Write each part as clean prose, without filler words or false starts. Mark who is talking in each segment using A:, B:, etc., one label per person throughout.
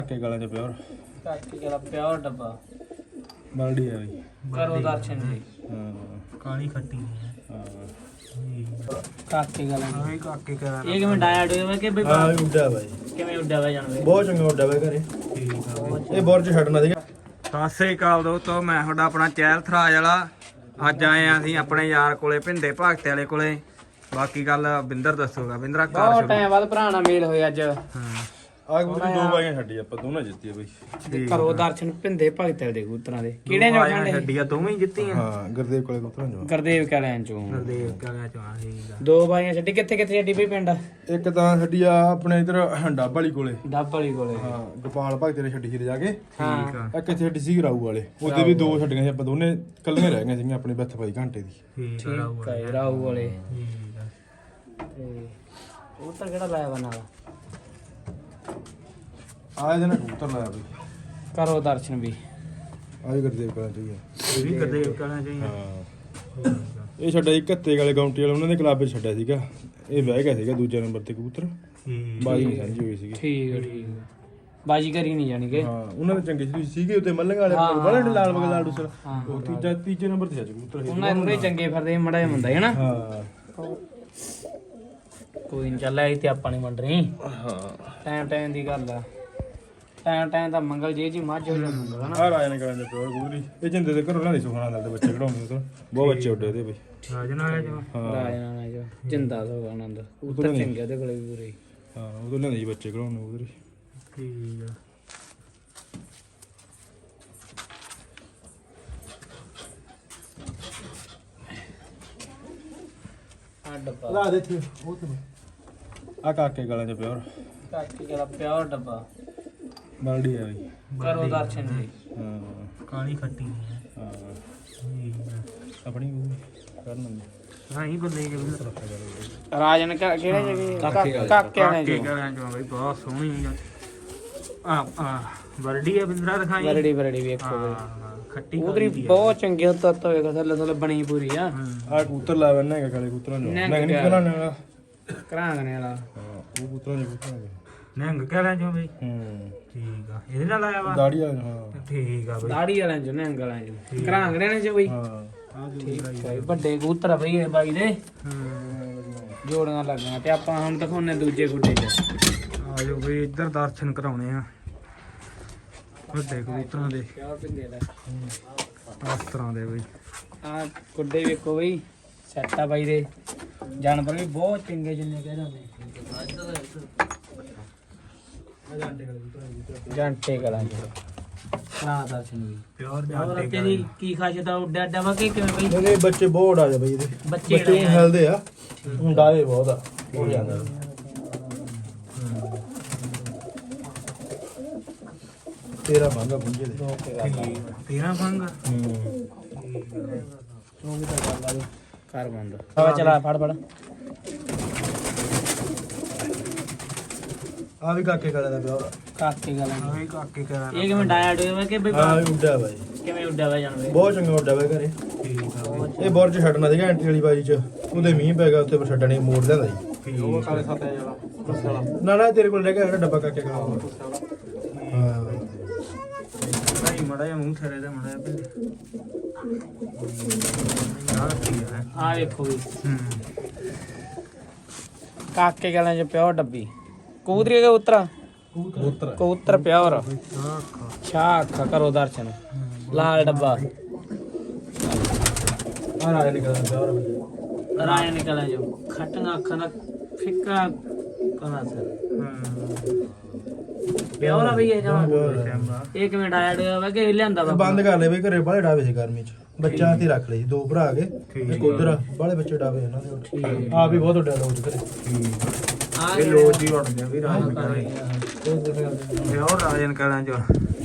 A: के गला च प्योर
B: काकी गला प्योर डब्बा
A: बल्डी है भाई
B: करो दर्शन जी।
C: काली खट्टी
B: काकी गला
C: हां काके करा
B: ये कि मैं डाया डोया कि भाई
A: हां उड्डा भाई
B: किवें उड्डा वा जानवे
A: बहुत चंगा उड्डा भाई घरे
C: ठीक है
A: ਇਹ ਬੋਰ ਚ ਛੱਡਣਾ ਸੀਗਾ।
C: ਸਤਿ ਸ੍ਰੀ ਅਕਾਲ ਦੋਸਤੋ, ਮੈਂ ਤੁਹਾਡਾ ਆਪਣਾ ਚਹਿਲ ਥਰਾਜ ਵਾਲਾ। ਅੱਜ ਆਏ ਆ ਅਸੀਂ ਆਪਣੇ ਯਾਰ ਕੋਲੇ ਭਿੰਦੇ ਭਗਤੇ ਵਾਲੇ ਕੋਲੇ। ਬਾਕੀ ਗੱਲ ਬਿੰਦਰ ਦੱਸੂਗਾ। ਬਿੰਦਰਾ ਕਰ
B: ਬਹੁਤ
C: ਸ਼ੁਰੂ।
B: ਟਾਈਮ ਬਾਅਦ ਭਰਾ ਨਾਲ ਮੇਲ ਹੋਇਆ ਅੱਜ।
C: ਹਾਂ
A: ਆ ਕਬੂਤਰੀ ਦੋ ਵਾਰੀਆਂ ਛੱਡੀ ਆਪਾਂ ਦੋਨਾਂ ਜਿੱਤੀ ਆ ਬਈ।
B: ਕਰੋ ਦਰਸ਼ਨ ਭਿੰਦੇ ਭਗਤੇ ਦੇ ਕਬੂਤਰਾਂ ਦੇ ਕਿਹੜੇ ਜੋ ਖਾਂਦੇ
C: ਛੱਡੀਆਂ ਦੋਵੇਂ ਹੀ ਜਿੱਤੀਆਂ।
A: ਹਾਂ ਗੁਰਦੇਵ ਕੋਲੇ ਕਬੂਤਰਾਂ ਜੋ
B: ਗੁਰਦੇਵ ਕਾਲਿਆਂ ਚੋਂ
C: ਗੁਰਦੇਵ ਕਾਲਿਆਂ ਚੋਂ ਆ ਠੀਕ ਆ।
B: ਦੋ ਬਾਈਆਂ ਛੱਡੀ ਕਿੱਥੇ ਕਿੱਥੇ ਛੱਡੀ ਬਈ ਪਿੰਡ
A: ਇੱਕ ਤਾਂ ਛੱਡੀ ਆ ਆਪਣੇ ਇਧਰ ਡੱਬ ਵਾਲੀ ਕੋਲੇ।
B: ਡੱਬ ਵਾਲੀ ਕੋਲੇ
A: ਹਾਂ ਗੋਪਾਲ ਭਗਤੇ ਨੇ ਛੱਡੀ ਸੀ ਜਾ ਕੇ।
C: ਠੀਕ ਆ
A: ਇੱਕ ਇੱਥੇ ਛੱਡੀ ਸੀ ਰਾਊ ਵਾਲੇ। ਉਹਦੇ ਵੀ ਦੋ ਛੱਡੀਆਂ ਸੀ ਆਪਾਂ ਦੋਨੇ ਕੱਲੀਆਂ ਰਹਿ ਗਈਆਂ ਸੀਗੀਆਂ ਆਪਣੀ ਬੱਥ ਪਾਈ ਘੰਟੇ ਦੀ।
C: ਠੀਕ ਆ
B: ਠੀਕ ਹੈ ਰਾਹੂ ਵਾਲੇ।
C: ਠੀਕ ਆ
B: ਤੇ ਉਹ ਤਾਂ ਕਿਹੜਾ ਲਾਇਆ ਵਾ ਨਾਲ
A: ਆ ਇਹਦੇ ਨਾਲ ਕਬੂਤਰ ਲਾਇਆ ਬਈ।
B: ਕਰੋ ਦਰਸ਼ਨ ਵੀ
A: ਆ ਵੀ ਗੁਰਦੇਵ ਕੋਲੇ ਚਾਹੀਏ।
C: ਇਹ ਵੀ ਗੁਰਦੇਵ ਕਾਲਿਆਂ ਚੋਂ ਹੀ ਆ।
A: ਹਾਂ ਇਹ ਛੱਡਿਆ ਸੀ ਘੱਤੇ ਵਾਲੇ ਗਾਉਂਟੀ ਵਾਲੇ, ਉਹਨਾਂ ਦੇ ਕਲੱਬ 'ਚ ਛੱਡਿਆ ਸੀਗਾ। ਇਹ ਬਹਿ ਗਿਆ ਸੀਗਾ ਦੂਜੇ ਨੰਬਰ ਤੇ ਕਬੂਤਰ।
C: ਠੀਕ
A: ਬਾਜੀ ਨਹੀਂ ਸਾਂਝੀ ਹੋਈ ਸੀਗੀ।
B: ਠੀਕ ਹੈ ਠੀਕ ਹੈ ਬਾਜੀ ਕਰੀ ਨਹੀਂ ਜਾਣੀ ਕਿ
A: ਹਾਂ ਉਹਨਾਂ ਦੇ ਚੰਗੇ ਸੀਗੇ ਉੱਤੇ ਮੱਲੰਗ ਵਾਲੇ ਬੜੇ ਲਾਲ ਬਗਲ ਲਾਡੂ ਸਰ। ਉਹ ਤੀਜੇ ਨੰਬਰ ਤੇ ਸੀ ਕਬੂਤਰ।
B: ਉਹਨਾਂ ਨੂੰ ਚੰਗੇ ਫਿਰਦੇ ਮੜਾ ਹੁੰਦਾ ਹੈ ਨਾ।
A: ਹਾਂ
B: ਕੋਈ ਨਹੀਂ ਚੱਲ ਆਈ ਤੇ ਆਪਾਂ ਨਹੀਂ ਮੰਡ ਰਹੀ।
A: ਹਾਂ
B: ਟਾਈਮ ਟਾਈਮ ਦੀ ਗੱਲ ਆ। ਟਾਈਮ ਦਾ ਮੰਗਲ ਜੇ ਜੀ ਮੱਝ ਹੋ ਜਾਂਦਾ ਹੁੰਦਾ ਨਾ।
A: ਆ ਰਾਜ ਨੇ ਕਰਾਂ ਦੇ ਪਿਓਰ ਕਬੂਤਰੀ। ਇਹ ਜਿੰਦੇ ਦੇ ਘਰੋਂ ਲੈਂਦੇ ਸੁਖਣਾ ਨਾਲ ਦੇ ਬੱਚੇ ਕਢਾਉਂਦੇ ਤਾਂ ਬਹੁਤ ਬੱਚੇ ਉੱਡੇ ਉਹਦੇ ਬਈ।
C: ਰਾਜਨ ਆਇਆ ਜੋ
A: ਹਾਂ
B: ਰਾਜਨਾ ਜੋ ਜਿੰਦਾ ਸੋ ਆਨੰਦ ਉੱਤਰ ਚੰਗੇ ਉਹਦੇ ਕੋਲੇ ਵੀ ਪੂਰੇ।
A: ਹਾਂ ਉਦੋਂ ਲੈਂਦੇ ਜੀ ਬੱਚੇ ਕਢਾਉਂਦੇ ਕਬੂਤਰੀ।
C: ਠੀਕ ਆ
B: ਆ ਡੱਬਾ
A: ਲਾ ਦੇ ਇੱਥੇ ਉਹ ਤੇ ਆ ਕਾਕੇ ਗਲਾਂ ਚ ਪਿਓਰ
B: ਕਾਕੀ ਗਲਾ ਪਿਓਰ ਡੱਬਾ
A: ਬਲਡੀ ਹੈ ਬਈ।
B: ਕਰੋ ਦਰਸ਼ਨ ਜੀ।
A: ਹਾਂ
C: ਕਾਲੀ ਖੱਟੀ
A: ਹਾਂ
C: ਠੀਕ ਆ
A: ਆਪਣੀ ਕਰਨ
C: ਹਾਂ ਹੀ ਬੰਦੇ ਕੇ ਵੀ
B: ਰਾਜਨ ਕਿਹੜੇ ਜਗੇ ਕਾਕੇ ਵਾਲੇ
C: ਕੀ
B: ਜੋ
C: ਕਰਾਂ ਜੋ ਬਈ ਬਹੁਤ ਸੋਹਣੀ ਆ ਵਰਡੀ ਆ ਬਿੰਦਰਾ ਦਿਖਾਈ।
B: ਬਰੜੀ ਵੇਖੋ
C: ਹਾਂ ਖੱਟੀ
B: ਉਧਰੀ ਬਹੁਤ ਚੰਗੇ ਤੱਤ ਹੋਏਗਾ ਥੱਲੇ ਥੱਲੇ ਬਣੀ ਪੂਰੀ ਆ।
A: ਆ ਕਬੂਤਰ ਲਾ ਬੰਨਾ ਹੈਗਾ ਕਾਲੇ ਕਬੂਤਰਾਂ ਨੂੰ।
B: ਨਿਹੰਗ
A: ਨਹੀਂ ਕਰਾਣੇ ਵਾਲਾ।
B: ਕਰਾਂਗਣੇ ਵਾਲਾ
A: ਹਾਂ ਉਹ ਕਬੂਤਰਾਂ ਦੇ ਕਬੂਤਰਾਂ ਦੇ।
C: ਨੰਗ ਕਰਾਂ ਜੋ ਬਈ
A: ਹੂੰ
C: ਠੀਕ ਆ ਇਹਦੇ ਨਾਲ ਆਇਆ ਵਾ
A: ਦਾੜੀ ਵਾਲੇ ਹਾਂ।
C: ਠੀਕ ਆ ਬਈ
B: ਦਾੜੀ ਵਾਲਿਆਂ ਚੋਂ ਨਿਹੰਗ ਵਾਲਿਆਂ ਚੋਂ ਕਰਾਂਗਣੇ ਨੇ ਜੋ ਬਈ।
A: ਹਾਂ ਆ
B: ਠੀਕ ਹੈ ਵੱਡੇ ਕਬੂਤਰ ਆ ਬਈ ਇਹ ਬਾਈ ਦੇ
C: ਹਾਂ
B: ਜੋੜੀਆਂ ਲੱਗੀਆਂ ਤੇ ਆਪਾਂ ਹੁਣ ਦਿਖਾਉਣੇ ਦੂਜੇ ਗੁੱਡੇ 'ਚ।
C: ਆ ਜੋ ਬਈ ਇੱਧਰ ਦਰਸ਼ਨ ਕਰਾਉਣੇ ਆ ਵੱਡੇ ਕਬੂਤਰਾਂ ਦੇ
B: ਪਿਆਰ ਪਿੰਦੇ ਦਾ
C: ਇਸ ਤਰ੍ਹਾਂ ਦੇ ਬਈ।
B: ਆ ਗੁੱਡੇ ਵੇਖੋ ਬਈ ਸੈੱਟ ਆ ਬਾਈ ਦੇ। ਜਾਨਵਰ ਵੀ ਬਹੁਤ ਚੰਗੇ ਜਿੰਨੇ ਕਹਿ ਰਹੇ ਜਾਂਟੇ ਕਲਾਂ ਜੀ। ਕਰਾਂ ਦਰਸ਼ਨ ਵੀ
C: ਪਿਓਰ
B: ਹੋਰ ਅੱਗੇ ਦੀ ਕੀ ਖਾਸੀਅਤ ਆ ਉੱਡਾ ਅੱਡਾ ਵਾ ਕਿ ਕਿਵੇਂ ਬਈ
A: ਇਹਦੇ ਬੱਚੇ ਬਹੁਤ ਆ ਜਾ ਬਈ ਇਹਦੇ।
B: ਬੱਚੇ
A: ਬੱਚੇ
B: ਜਿਹੜੇ ਆ
A: ਹਿਲਦੇ ਆ ਡਾਲੇ ਬਹੁਤ ਆ ਹੋ ਜਾਂਦਾ। ਤੇਰਾ ਮੰਗਾ ਪੁੰਜੇ ਦੇ।
C: 13 ਫੰਗ
A: ਹੂੰ
B: ਉਹ ਵੀ ਤਾਂ ਗੱਲ ਆ ਜੀ ਘਰ ਬੰਦ ਆ ਚਲਾ ਫੜ ਫੜ
A: ਆ ਵੀ ਕਾਕੇ ਕਾਲੇ ਦਾ ਪਿਓਰ।
B: ਕਾਕੇ ਗਲਾਂ
C: ਆ ਵੀ ਕਾਕੇ ਕਰਾਂ
B: ਇਹ ਕਿਵੇਂ ਡਾਇਆ ਡੋਇਆ ਵਾ ਕਿ ਬਈ
A: ਆ ਵੀ ਉੱਡਿਆ ਬਾਈ।
B: ਕਿਵੇਂ ਉੱਡਿਆ ਵਾ ਜਾਨਵੇ
A: ਬਹੁਤ ਚੰਗਾ ਉੱਡਿਆ ਬਾਈ ਘਰੇ।
C: ਠੀਕ ਆ ਬਈ
A: ਇਹ ਬੋਰ ਚ ਛੱਡਣਾ ਸੀਗਾ ਐਂਟੀ ਵਾਲੀ ਬਾਜੀ ਚ। ਉਹਦੇ ਮੀਂਹ ਪੈ ਗਿਆ ਉੱਤੇ ਪਰ ਛੱਡਣੇ ਮੋੜ ਲਿਆਂਦਾ ਜੀ।
C: ਠੀਕ ਆ
A: ਨਾ ਨਾ ਤੇਰੇ ਕੋਲ ਰਹਿ ਗਿਆ ਜਿਹੜਾ ਡੱਬਾ ਕਾਕੇ ਕਾਲਾ ਹਾਂ
C: ਨਹੀਂ ਮੜਾ ਜਿਹਾ ਮੂੰਹ ਥਰੇ ਦਾ ਮੜਾ ਜਿਹਾ ਪਿੰਡ ਆ ਕੀ ਹੈ
B: ਆ ਵੇਖੋ ਵੀ
C: ਹੂੰ
B: ਕਾਕੇ ਗਲਾਂ ਚ ਪਿਓ ਡੱਬੀ ਕਬੂਤਰੀ ਦਾ ਉਤਰਾ
A: ਕਬੂਤਰ
B: ਕਬੂਤਰ ਪਿਓਰ
C: ਆ ਖਾ
B: ਛਾ ਅੱਖਾਂ ਕਰੋ ਦਰਸ਼ਨ ਲਾਲ ਡੱਬਾ
A: ਆ ਰਾਜ ਨਿਕਲਦਾ ਪਿਓਰ।
B: ਰਾਇਣ ਨਿਕਲਿਆ ਜੋ ਖੱਟੀਆਂ ਅੱਖਾਂ ਦਾ ਫਿੱਕਾ ਕਲਾ ਸਰ ਪਿਓਰ ਆ ਬਈ ਇਹ ਜਮਾ
C: ਕੈਮਰਾ
B: ਇਹ ਕਿਵੇਂ ਡਾਇਆ ਡੋਇਆ ਵਾ ਕਿ ਲਿਆਂਦਾ ਵਾ
A: ਬੰਦ ਕਰ ਲੈ ਬਈ ਘਰੇ ਬਾਹਲੇ ਡਾਵੇ ਸੀ ਗਰਮੀ ਚ। ਬੱਚਿਆਂ ਤੇ ਰੱਖ ਲਈ ਦੋ ਭਰਾ ਕੇ ਇੱਕ ਉਧਰ ਬਾਹਲੇ ਬੱਚੇ ਡਾਵੇ ਇਹਨਾਂ ਦੇ। ਆ ਵੀ ਬਹੁਤ ਉੱਡਿਆ ਲੋਜ ਘਰੇ।
B: ਆ
C: ਇਹ ਲੋਜ ਹੀ ਉੱਡ ਗਿਆ ਵੀ ਰਾਜਨ ਕਰਾਂ ਪਿਓਰ ਰਾਜਨ ਕਰਾਂ ਜੋ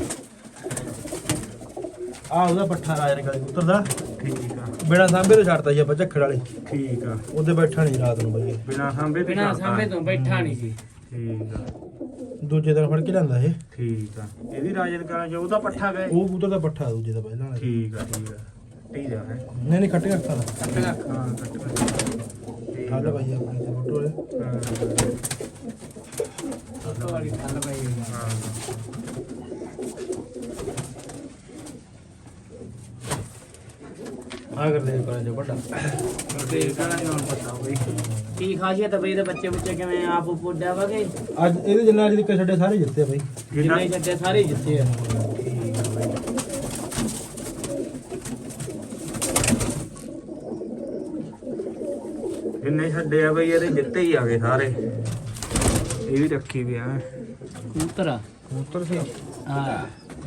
A: ਆ ਉਹਦਾ ਪੱਠਾ ਰਾਜ ਨਿਕਲੇ ਕਬੂਤਰ ਦਾ।
C: ਠੀਕ ਆ
A: ਬਿਨਾ ਸਾਂਭੇ ਤੋਂ ਛੱਡਤਾ ਜੀ ਆਪਾਂ ਝੱਖੜ ਵਾਲੇ।
C: ਠੀਕ ਆ
A: ਉਹਦੇ ਬੈਠਾ ਨਹੀਂ ਰਾਤ ਨੂੰ ਬਈ।
C: ਬਿਨਾ ਸਾਂਭੇ ਤੇ
B: ਬਿਨਾ
C: ਕਰਤਾ।
B: ਸਾਹਮਣੇ ਤੋਂ ਬੈਠਾ ਨਹੀਂ ਸੀ।
C: ਠੀਕ ਆ
A: ਦੂਜੇ ਦਿਨ ਫੜ ਕੇ ਲਿਆਂਦਾ ਇਹ।
C: ਠੀਕ ਆ ਇਹ ਵੀ ਰਾਜਨ ਕਰਾਂ ਜੋ ਉਹਦਾ ਪੱਠਾ ਗਏ
A: ਉਹ ਕਬੂਤਰ ਦਾ ਪੱਠਾ ਦੂਜੇ ਦਾ ਪਹਿਲਾਂ ਵਾਲਾ।
C: ਠੀਕ ਆ ਠੀਕ ਆ ਹੈ
A: ਨਹੀਂ ਨਹੀਂ ਖੱਟੀਆਂ ਅੱਖਾਂ ਦਾ।
B: ਖੱਟੀਆਂ ਅੱਖਾਂ
C: ਹਾਂ ਕੱਟ
A: ਹਾਲ ਭਾਈ ਆਪਣੇ ਤੇ ਫੋਟੋ ਵਾਲੇ।
B: ਇੱਕ ਵਾਰੀ ਠੱਲ ਪਈ ਹੋਈ ਆ।
C: ਹਾਂ
A: ਆ ਕਰਦੇ ਕਰਾਂ ਜੋ ਵੱਡਾ
C: ਤੇ ਕਹਣਾ ਨਹੀਂ ਪਤਾ ਬਈ
B: ਕੀ ਖਾਸੀਅਤ ਆ ਬਈ ਇਹਦੇ ਬੱਚੇ ਬੁੱਚੇ ਕਿਵੇਂ ਆਪ ਪੁੱਡਿਆ ਵਾਗੇ
A: ਅੱਜ ਇਹਦੇ ਜਿੰਨਾ ਅੱਜ ਤੱਕ ਛੱਡੇ ਸਾਰੇ ਜਿੱਤੇ ਆ ਬਾਈ
B: ਜਿੰਨੇ ਜੱਟੇ ਸਾਰੇ ਜਿੱਤੇ ਆ
C: ਜਿੰਨੇ ਛੱਡੇ ਆ ਬਈ ਇਹਦੇ ਜਿੱਤੇ ਹੀ ਆ ਗਏ ਸਾਰੇ ਇਹ ਵੀ ਰੱਖੀ ਵੀ ਆ
B: ਕਬੂਤਰ ਆ
C: ਕਬੂਤਰ ਸੀ
B: ਹਾਂ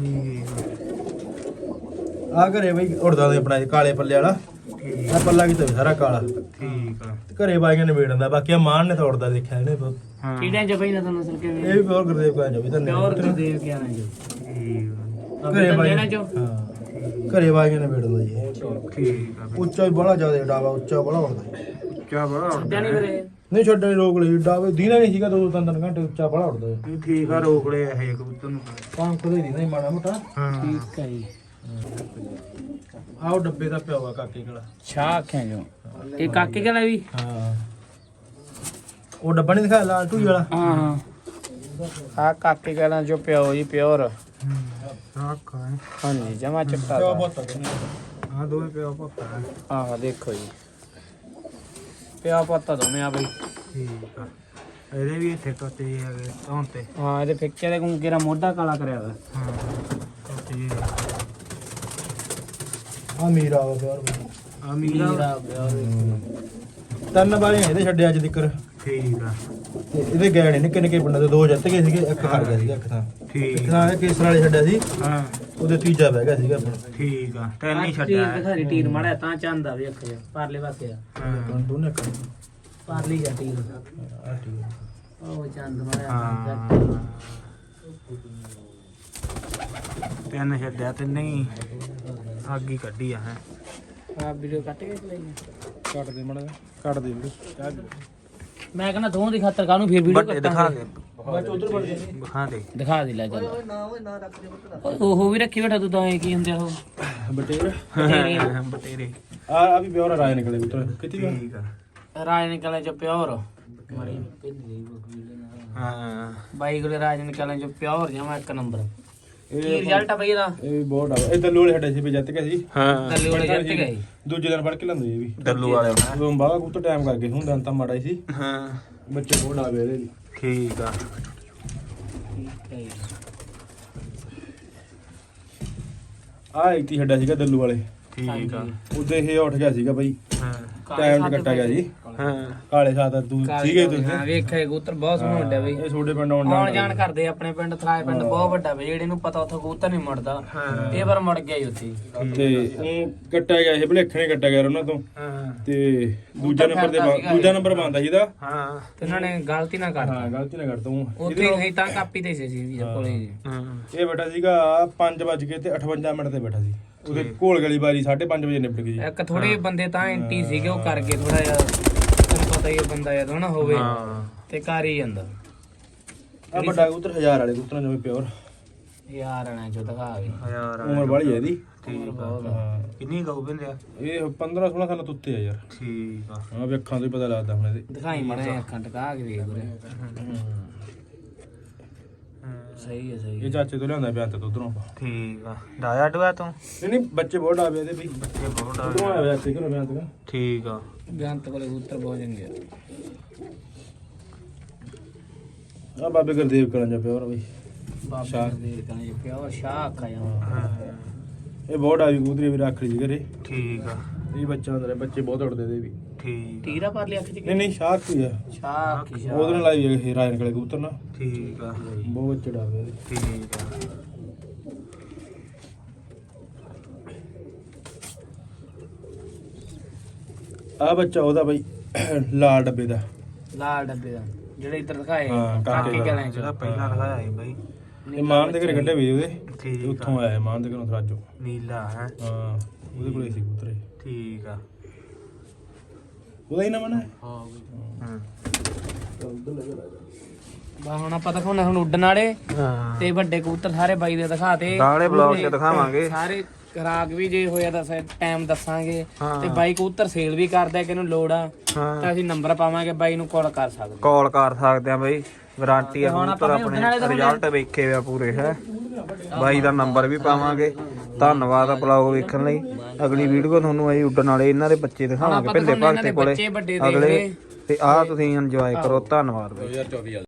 A: ਆ ਘਰੇ ਬਾਈ ਉੜਦਾ ਦੇ ਆਪਣਾ ਕਾਲੇ ਪੱਲੇ ਵਾਲਾ ਆ ਪੱਲਾ ਕਿਤੇ ਸਾਰਾ ਕਾਲਾ
C: ਠੀਕ ਆ
A: ਘਰੇ ਬਾਈਆਂ ਨੇ ਵੇੜਨ ਦਾ ਬਾਕੀ ਆ ਮਾਨ ਨੇ ਤਾਂ ਉੜਦਾ ਦੇਖਿਆ ਇਹਨੇ ਬਹੁਤ।
C: ਹਾਂ
B: ਕਿਹੜੇ ਚ ਬਈ ਨਾ ਤੁਹਾਨੂੰ ਅਸਲ ਕਿਵੇਂ
A: ਇਹ ਵੀ ਪਿਓਰ ਗੁਰਦੇਵ ਕਾ ਜੋ ਵੀ ਤਾਂ
B: ਪਿਓਰ ਗੁਰਦੇਵ ਕਿਆ ਨਾ ਜੋ
A: ਘਰੇ ਬਾਈਆਂ
B: ਲੈਣਾ ਜੋ
A: ਹਾਂ ਘਰੇ ਬਾਈਆਂ ਨੇ ਵੇੜਨ ਦਾ ਜੀ ਇਹ।
C: ਠੀਕ ਆ ਬਈ
A: ਉੱਚਾ ਵੀ ਬੜਾ ਜ਼ਿਆਦਾ ਡਾਵਾ ਉੱਚਾ ਬੜਾ ਉੜਦਾ
C: ਕਿਆ ਬੜਾ
B: ਛੱਡਿਆ ਨਹੀਂ ਕਰੇ
A: ਨਹੀਂ ਛੱਡਣ ਰੋਕ ਲਈ ਡਾਵੇ ਦੀਨਾ ਨਹੀਂ ਸੀਗਾ 2-3 ਘੰਟੇ ਉੱਚਾ ਬੜਾ ਉੜਦਾ
C: ਨਹੀਂ ਠੀਕ ਆ ਰੋਕ ਲਿਆ ਇਹ ਕਬੂਤਰ ਨੂੰ
A: ਪੰਖ ਦੇ ਦੀ ਨਹੀਂ ਮਾੜਾ ਮੋਟਾ
C: ਹਾਂ
B: ਠੀਕ ਹੈ ਜੀ
A: ਆਹ ਉਹ ਡੱਬੇ ਦਾ ਪਿਆ ਵਾ ਕਾਕੇ ਕੋਲ
B: ਸ਼ਾਹ ਆਖਿਆ ਜੋ ਇਹ ਕਾਕੇ ਕਲਾ ਵੀ
A: ਹਾਂ ਉਹ ਡੱਬਾ ਨਹੀਂ ਦਿਖਾਇਆ ਲਾਲ ਟੂਈ ਵਾਲਾ
B: ਹਾਂ ਹਾਂ ਆ ਕਾਕੇ ਕਲਾ ਜੋ ਪਿਓ ਜੀ ਪਿਓਰ
C: ਰੱਖ ਆ
B: ਹਾਂਜੀ ਜਮਾ ਚਿੱਟਾ
A: ਪਿਆ
B: ਦਾ।
A: ਬਹੁਤ ਤੱਕ
C: ਆ ਦੋਵੇਂ ਪਿਆ ਪੱਕਾ
B: ਆਹ ਦੇਖੋ ਜੀ ਪਿਆ ਪੱਤਾ ਦੋਵੇਂ ਆ ਬਈ
C: ਠੀਕ ਆ ਇਹਦੇ ਵੀ ਇੱਥੇ ਟੋਟੇ ਜਿਹੇ ਹੈਗੇ ਧੌਣ ਤੇ
B: ਹਾਂ ਇਹਦੇ ਫਿੱਕੇ ਦੇ ਗੁੰਗੇ ਦਾ ਮੋਢਾ ਕਾਲਾ ਕਰਿਆ ਵਾ
C: ਹਾਂ ਟੋਟੇ ਜਿਹੇ
A: ਆ ਮੀਰਾ ਵਾ ਪਿਓਰ
C: ਆ ਮੀਰਾ
B: ਹੀਰਾ ਪਿਓਰ
A: ਤਿੰਨ ਵਾਰੀ ਇਹਦੇ ਛੱਡਿਆ ਅੱਜ ਤੱਕ
C: ਠੀਕ ਆ
A: ਤੇ ਇਹਦੇ ਗਏ ਨੇ ਨਿੱਕੇ ਨਿੱਕੇ ਪਿੰਡਾਂ ਦੇ ਦੋ ਜਿੱਤ ਗਏ ਸੀਗੇ ਇੱਕ ਹਾਰ ਗਿਆ ਸੀਗਾ ਇੱਕ ਤਾਂ
C: ਠੀਕ
A: ਇੱਕ ਤਾਂ ਇਹ ਕੇਸਰ ਵਾਲੇ ਛੱਡਿਆ ਸੀ
C: ਹਾਂ
A: ਉਹਦੇ ਤੀਜਾ ਬਹਿ ਗਿਆ ਸੀਗਾ ਆਪਣਾ
C: ਠੀਕ ਆ ਤੈਨੂੰ ਨਹੀਂ ਛੱਡਿਆ ਹੈ।
B: ਦਿਖਾਰੀ ਟੀਰ ਮਾੜਾ ਤਾਂ ਚੰਦਾ ਵੀ ਅੱਖ ਜਾ ਪਰਲੇ ਪਾਸੇ ਆ
C: ਹਾਂ
A: ਦੋਨੇ ਕਰ
B: ਪਰਲੀ ਜਾ ਟੀਰ
A: ਆ ਠੀਕ
B: ਉਹ ਚੰਦ ਮਾੜਾ
C: ਹਾਂ ਤੈਨੂੰ ਛੱਡਿਆ ਤੇ ਨਹੀਂ ਅੱਗ ਹੀ ਕੱਢੀ ਆ ਹੈ
B: ਆ ਵੀਡੀਓ ਕੱਟ ਕੇ ਲਈ
A: ਕੱਟ ਦੇ ਮੜਾ ਕੱਟ ਦੇ
B: ਮੈਂ ਕਹਿੰਦਾ ਦੋਹਾਂ ਦੀ ਖਾਤਰ ਕਾਹਨੂੰ ਫਿਰ ਵੀਡੀਓ
C: ਵੱਡੇ ਦਿਖਾ ਦੇ
A: ਬਾਅਦ ਚ ਉਧਰ ਵੜ ਜਾ
C: ਦਿਖਾ ਦੇ
B: ਦਿਖਾ ਦੇ ਲੈ ਚੱਲ ਉਹ ਵੀ ਰੱਖੀ ਬੈਠਾ ਤੂੰ ਤਾਂ ਇਹ ਕੀ ਹੁੰਦੇ ਆ ਉਹ
A: ਬਟੇਰ
C: ਬਟੇਰੇ
A: ਆ ਵੀ ਪਿਓਰ ਰਾਏ ਨਿਕਲੇ ਉਧਰ ਕਿੱਥੇ ਗਿਆ
C: ਠੀਕ ਆ
B: ਰਾਜ ਨਿਕਲੇ ਚ ਪਿਓਰ
C: ਹਾਂ
B: ਬਾਈ ਕੋਲੇ ਰਾਜ ਨਿਕਲੇ ਚ ਪਿਓਰ ਜਮਾ ਇੱਕ ਨੰਬਰ ਕੀ ਰਿਜ਼ਲਟ ਆ ਬਈ ਇਹਦਾ
A: ਇਹ ਵੀ ਬਹੁਤ ਆ ਇਹ ਦੱਲੂ ਵਾਲੇ ਛੱਡੇ ਸੀ ਵੀ ਜਿੱਤ ਗਏ ਸੀ
C: ਹਾਂ
B: ਥੱਲੇ ਵਾਲੇ ਜਿੱਤ ਗਏ
A: ਦੂਜੇ ਦਿਨ ਫੜ ਕੇ ਲੰਦੇ ਇਹ ਵੀ
C: ਦੱਲੂ ਵਾਲੇ
A: ਉਦੋਂ ਬਾਅਦ ਕਬੂਤਰ ਟਾਈਮ ਕਰ ਗਏ ਹੁੰਦਾ ਤਾਂ ਮਾੜਾ ਹੀ ਸੀ
C: ਹਾਂ
A: ਬੱਚੇ ਬਹੁਤ ਆ ਗਏ ਇਹਦੇ ਵੀ
C: ਠੀਕ ਆ
B: ਠੀਕ ਹੈ ਜੀ।
A: ਆ ਇੱਕ ਹੀ ਛੱਡਿਆ ਸੀਗਾ ਦੱਲੂ ਵਾਲੇ
C: ਠੀਕ ਆ
A: ਉਹਦੇ ਇਹ ਉੱਠ ਗਿਆ ਸੀਗਾ ਬਾਈ
C: ਹਾਂ
A: ਟਾਈਮ ਤੇ ਕੱਟਾ ਗਿਆ ਜੀ
C: ਹਾਂ
A: ਕਾਲੇ ਸਾਥ ਤੂੰ ਸੀਗੇ ਤੁਸੀਂ
B: ਹਾਂ ਵੇਖਿਆ ਕਬੂਤਰ ਬਹੁਤ ਸੋਹਣਾ ਵੱਡਾ ਬਈ
A: ਇਹ ਛੋਟੇ ਪਿੰਡ ਆਉਣ
B: ਆਉਣ ਜਾਣ ਕਰਦੇ ਆਪਣੇ ਪਿੰਡ ਥਰਾਏ ਪਿੰਡ ਬਹੁਤ ਵੱਡਾ ਬਈ ਜਿਹੜੇ ਨੂੰ ਪਤਾ ਉੱਥੋਂ ਕਬੂਤਰ ਨਹੀਂ ਮੁੜਦਾ ਇਹ ਵਾਰ ਮੁੜ ਗਿਆ ਹੀ ਉੱਥੇ
A: ਤੇ ਉਹ ਕੱਟਿਆ ਗਿਆ ਇਹ ਭਲੇਖਣੇ ਕੱਟਿਆ ਗਿਆ ਉਹਨਾਂ ਤੋਂ
C: ਹਾਂ
A: ਤੇ ਦੂਜਾ ਨੰਬਰ ਬੰਦਾ ਜਿਹਦਾ
C: ਹਾਂ
B: ਤੇ ਉਹਨਾਂ ਨੇ ਗਲਤੀ ਨਾ ਕਰਤਾ
A: ਹਾਂ ਗਲਤੀ ਨਾ ਕਰ ਤੂੰ
B: ਉੱਥੇ ਗਈ ਤਾਂ ਕਾਪੀ ਤੇ ਸੀ ਵੀ ਕੋਲੇ ਜੀ
C: ਹਾਂ
A: ਇਹ ਬੈਠਾ ਸੀਗਾ 5:58 ਤੇ ਬੈਠਾ ਸੀ ਉਹਦੇ ਘੋਲ ਗਲੀ ਬਾਰੀ 5:30 ਵਜੇ ਨਿਪਟ ਗਈ ਜੀ
B: ਇੱਕ ਥੋੜੇ ਬੰਦੇ ਤਾਂ ਐਂਟੀ ਸੀਗੇ ਉਹ ਕਰ ਗਏ ਥੋੜਾ ਜਿਹਾ ਤੈਨੂੰ ਪਤਾ ਹੀ ਹੈ ਬੰਦਾ ਜਦੋਂ ਨਾ ਹੋਵੇ
C: ਹਾਂ
B: ਤੇ ਕਰ ਹੀ ਜਾਂਦਾ
A: ਆ ਵੱਡਾ ਕਬੂਤਰ 1000 ਵਾਲੇ ਕਬੂਤਰਾਂ ਜਿਵੇਂ ਪਿਓਰ
B: ਯਾਰ ਆਣਾ ਚੋ ਦਿਖਾ ਵੀ
C: ਯਾਰ
A: ਉਮਰ ਵਾਲੀ ਹੈ ਇਹਦੀ
C: ਠੀਕ ਆ ਕਿੰਨੀ ਗਊ ਬੰਦਿਆ
A: ਇਹ 15-16 ਸਾਲਾਂ ਤੋਂ ਉੱਤੇ ਆ ਯਾਰ
C: ਠੀਕ ਆ
A: ਹਾਂ ਵੀ ਅੱਖਾਂ ਤੋਂ ਹੀ ਪਤਾ ਲੱਗਦਾ ਹੁਣ ਇਹਦੇ
B: ਦਿਖਾਈ ਮੜਾ ਅੱਖਾਂ ਟਕਾ ਕੇ ਵੇਖ ਉਰੇ ਸਹੀ ਹੈ ਸਹੀ
A: ਇਹ ਚਾਚੇ ਤੋਂ ਲਿਆਂਦਾ ਬਿਆਨ ਤੇ ਉਧਰੋਂ
C: ਠੀਕ ਆ ਡਾਇਆ ਡੁਆ ਤੂੰ
A: ਨਹੀਂ ਨਹੀਂ ਬੱਚੇ ਬਹੁਤ ਡਾਵੇ ਇਹਦੇ ਵੀ
C: ਬੱਚੇ ਬਹੁਤ ਆ
A: ਉਧਰੋਂ ਆਇਆ ਚਾਚੇ ਘਰੋਂ ਬਿਆਨ ਤੇ
C: ਠੀਕ ਆ
B: ਬੇਅੰਤ ਕੋਲੇ ਕਬੂਤਰ ਬਹੁਤ ਚੰਗੇ
A: ਆ ਬਾਬੇ ਗੁਰਦੇਵ ਕਰਾਂ ਜਾ ਪਿਓਰ ਬਈ
B: ਬਾਬਾ ਦੇ ਕਹਿੰਦੇ ਪਿਓਰ ਸ਼ਾਹ ਆਖਾ ਜਾਂ
C: ਹਾਂ
A: ਇਹ ਬਹੁਤ ਡਾਵੀ ਕਬੂਤਰੀ ਵੀ ਰੱਖ ਲਈ ਜੀ ਘਰੇ
C: ਠੀਕ ਆ
A: ਇਹ ਬੱਚਾ ਅੰਦਰ ਬੱਚੇ ਬਹੁਤ ਉੜਦੇ ਦੇ ਵੀ
C: ਠੀਕ
B: ਟੀਰਾ ਪਰ ਲਿਆ ਖਿੱਚ
A: ਨਹੀਂ ਨਹੀਂ ਸ਼ਾਖ ਹੀ ਆ
B: ਸ਼ਾਹ ਆਖੀ ਸ਼ਾਹ
A: ਉਹਦੇ ਨਾਲ ਲਾਈ ਇਹ ਰਾਜਨ ਕਲੇ ਕਬੂਤਰ ਨਾ
C: ਠੀਕ ਆ
A: ਬਹੁਤ ਬੱਚੇ ਡਾਵੇ ਇਹਦੇ
C: ਠੀਕ ਆ
A: ਆ ਬੱਚਾ ਉਹਦਾ ਬਈ ਲਾਲ ਡੱਬੇ ਦਾ
B: ਲਾਲ ਡੱਬੇ ਦਾ ਜਿਹੜੇ ਇੱਧਰ ਦਿਖਾਏ
A: ਹਾਂ, ਕਾਕੇ
B: ਕਾਕੇ
A: ਦਾ।
B: ਕਹਿੰਦੇ
C: ਜਿਹੜਾ ਪਹਿਲਾਂ ਦਿਖਾਇਆ ਸੀ ਬਾਈ
A: ਇਹ ਮਾਨ ਦੇ ਘਰੇ ਕੱਢੇ ਵੇ ਉਹਦੇ
C: ਠੀਕ
A: ਤੇ
C: ਆ
A: ਉੱਥੋਂ ਆਇਆ ਮਾਨ ਦੇ ਘਰੋਂ ਸਰਾਜੋ
C: ਨੀਲਾ ਹੈ
A: ਹਾਂ ਉਹਦੇ ਕੋਲੇ ਸੀ ਕਬੂਤਰ ਇਹ।
C: ਠੀਕ ਆ
A: ਉਹਦਾ ਹੀ ਨਾ ਮਨਾ
B: ਹਾਂ
C: ਹਾਂ
B: ਬਾ ਹੁਣ ਆਪਾਂ ਦਿਖਾਉਣਾ ਹੁਣ ਉੱਡਣ ਵਾਲੇ
C: ਹਾਂ
B: ਤੇ ਵੱਡੇ ਕਬੂਤਰ ਸਾਰੇ ਬਾਈ ਦੇ ਦਿਖਾਤੇ
C: ਗਾਲੇ ਬਲੌਗ 'ਚ ਦਿਖਾਵਾਂਗੇ
B: ਸਾਰੇ ਖਰਾਕ ਵੀ ਜੇ ਹੋਇਆ ਤਾਂ ਟਾਈਮ ਦੱਸਾਂਗੇ
C: ਹਾਂ।
B: ਤੇ ਬਾਈ ਕਬੂਤਰ ਸੇਲ ਵੀ ਕਰਦਾ ਕਿ ਇਹਨੂੰ ਲੋੜ ਆ
C: ਹਾਂ
B: ਤਾਂ ਅਸੀਂ ਨੰਬਰ ਪਾਵਾਂਗੇ ਬਾਈ ਨੂੰ ਕਾਲ ਕਰ ਸਕਦੇ
C: ਕਾਲ ਕਰ ਸਕਦੇ ਆ ਬਈ ਵਾਰੰਟੀ ਆ
B: ਹੁਣ
C: ਕਬੂਤਰ
B: ਆਪਾਂ ਵੀ ਉੱਡਣ ਵਾਲੇ
C: ਆਪਣੇ
B: ਦਿਖਾਉਣੇ ਆ।
C: ਰਿਜ਼ਲਟ ਵੇਖੇ ਆ ਪੂਰੇ ਹੈ ਬਾਈ ਦਾ ਨੰਬਰ ਵੀ ਪਾਵਾਂਗੇ। ਧੰਨਵਾਦ ਆ ਬਲੌਗ ਵੇਖਣ ਲਈ। ਅਗਲੀ ਵੀਡੀਓ ਤੁਹਾਨੂੰ ਅਸੀਂ ਉੱਡਣ ਵਾਲੇ ਇਹਨਾਂ ਦੇ ਬੱਚੇ ਦਿਖਾਵਾਂਗੇ ਭਿੰਦੇ ਭਗਤੇ ਕੋਲੇ
B: ਬੱਚੇ ਵੱਡੇ
C: ਅਗਲੇ ਤੇ ਆਹ ਤੁਸੀਂ ਇੰਜੋਏ ਕਰੋ। ਧੰਨਵਾਦ ਬਾਈ।